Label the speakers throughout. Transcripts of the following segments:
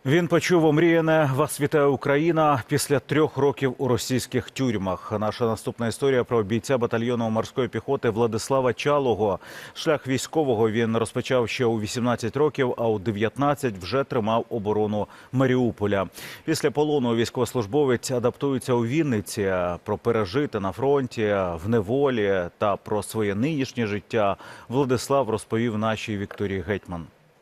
Speaker 1: Він почув омріяне «Вас вітає Україна» після 3 років у російських тюрмах. Наша наступна історія про бійця батальйону морської піхоти Владислава Чалого. Шлях військового він розпочав ще у 18 років, а у 19 вже тримав оборону Маріуполя. Після полону військовослужбовець адаптується у Вінниці. Про пережити на фронті, в неволі та про своє нинішнє життя Владислав розповів нашій Вікторії Гетьман.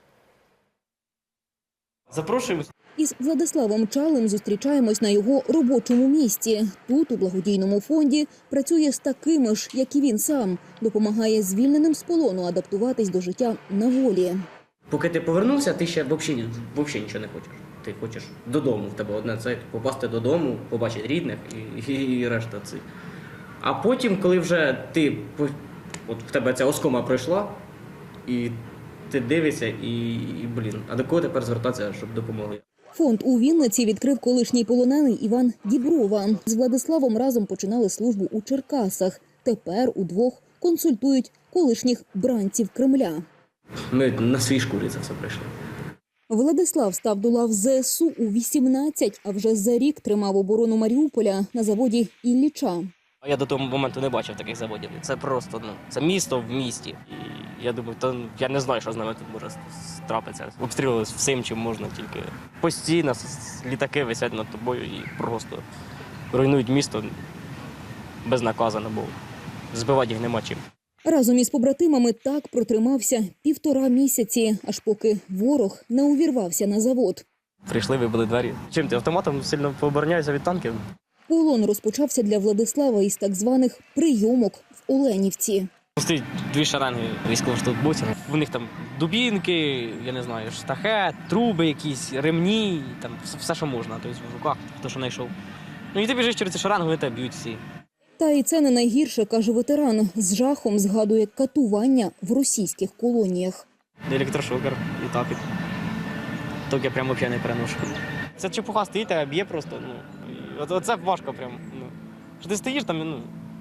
Speaker 2: Запрошуємо.
Speaker 3: Із Владиславом Чалим зустрічаємось на його робочому місці. Тут, у благодійному фонді, працює з такими ж, як і він сам. Допомагає звільненим з полону адаптуватись до життя на волі.
Speaker 2: Поки ти повернувся, ти ще взагалі нічого не хочеш. Ти хочеш додому, в тебе одне це попасти додому, побачити рідних і решта цих. А потім, коли вже от в тебе ця оскома пройшла, і ти дивишся а до кого тепер звертатися, щоб допомогли?
Speaker 3: Фонд у Вінниці відкрив колишній полонений Іван Діброва. З Владиславом разом починали службу у Черкасах. Тепер удвох консультують колишніх бранців Кремля.
Speaker 2: Ми на свій шкурі це все пройшли.
Speaker 3: Владислав став до лав ЗСУ у 18, а вже за рік тримав оборону Маріуполя на заводі Ілліча.
Speaker 4: Я до того моменту не бачив таких заводів. Це просто, це місто в місті. І я думаю, я не знаю, що з нами тут може трапитися. Обстрілювали всім, чим можна, тільки постійно літаки висять над тобою і просто руйнують місто безнаказано, бо збивати їх нема чим.
Speaker 3: Разом із побратимами так протримався 1,5 місяці, аж поки ворог не увірвався на завод.
Speaker 4: Прийшли, вибили двері. Чим ти автоматом сильно пообороняєшся від танків?
Speaker 3: Полон розпочався для Владислава із так званих прийомок в Оленівці.
Speaker 4: Стоїть 2 шеренги військовослужбовців. У них там дубінки, я не знаю, штахет, труби якісь, ремні, там все, що можна, тобто в руках, хто що знайшов. І ти біжиш через ці шеренги, вони тебе б'ють всі.
Speaker 3: Та і це не найгірше, каже ветеран. З жахом згадує катування в російських колоніях.
Speaker 4: Електрошокер і так. Так я прямо взагалі не переношу. Це чепуха стоїть, а б'є просто. Оце важко прямо. Що ти стоїш там,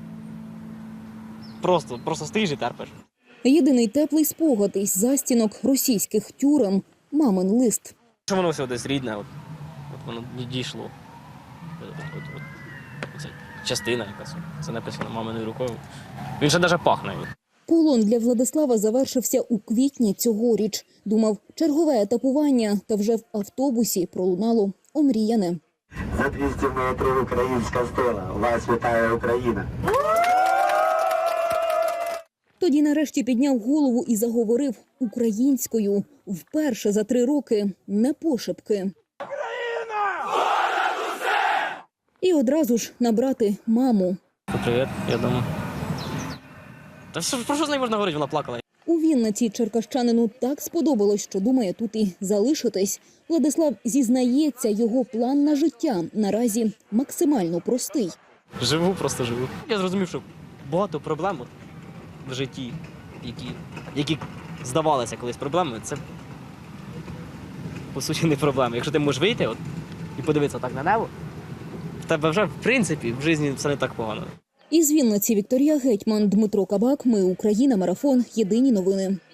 Speaker 4: просто стоїш і терпиш.
Speaker 3: Єдиний теплий спогад із застінок російських тюрем – мамин лист.
Speaker 4: Що воно все десь рідне, от воно не дійшло. Оце частина якась, це написано маминою рукою. Він ще навіть пахне.
Speaker 3: Полон для Владислава завершився у квітні цьогоріч. Думав, чергове етапування, та вже в автобусі пролунало омріяне.
Speaker 5: За 200 метрів українська стела. Вас вітає Україна.
Speaker 3: Тоді нарешті підняв голову і заговорив українською. Вперше за 3 роки, не пошепки. Україна! Понад усе! І одразу ж набрати маму.
Speaker 4: Привіт, я дома. Та про що з нею можна говорити, вона плакала.
Speaker 3: У Вінниці черкащанину так сподобалось, що думає тут і залишитись. Владислав зізнається, його план на життя наразі максимально простий.
Speaker 4: Просто живу. Я зрозумів, що багато проблем в житті, які здавалися колись проблемами, це по суті не проблеми. Якщо ти можеш вийти і подивитися так на небо, в тебе вже, в принципі, в житті все не так погано.
Speaker 3: Із Вінниці Вікторія Гетьман, Дмитро Кабак. Ми Україна. Марафон. Єдині новини.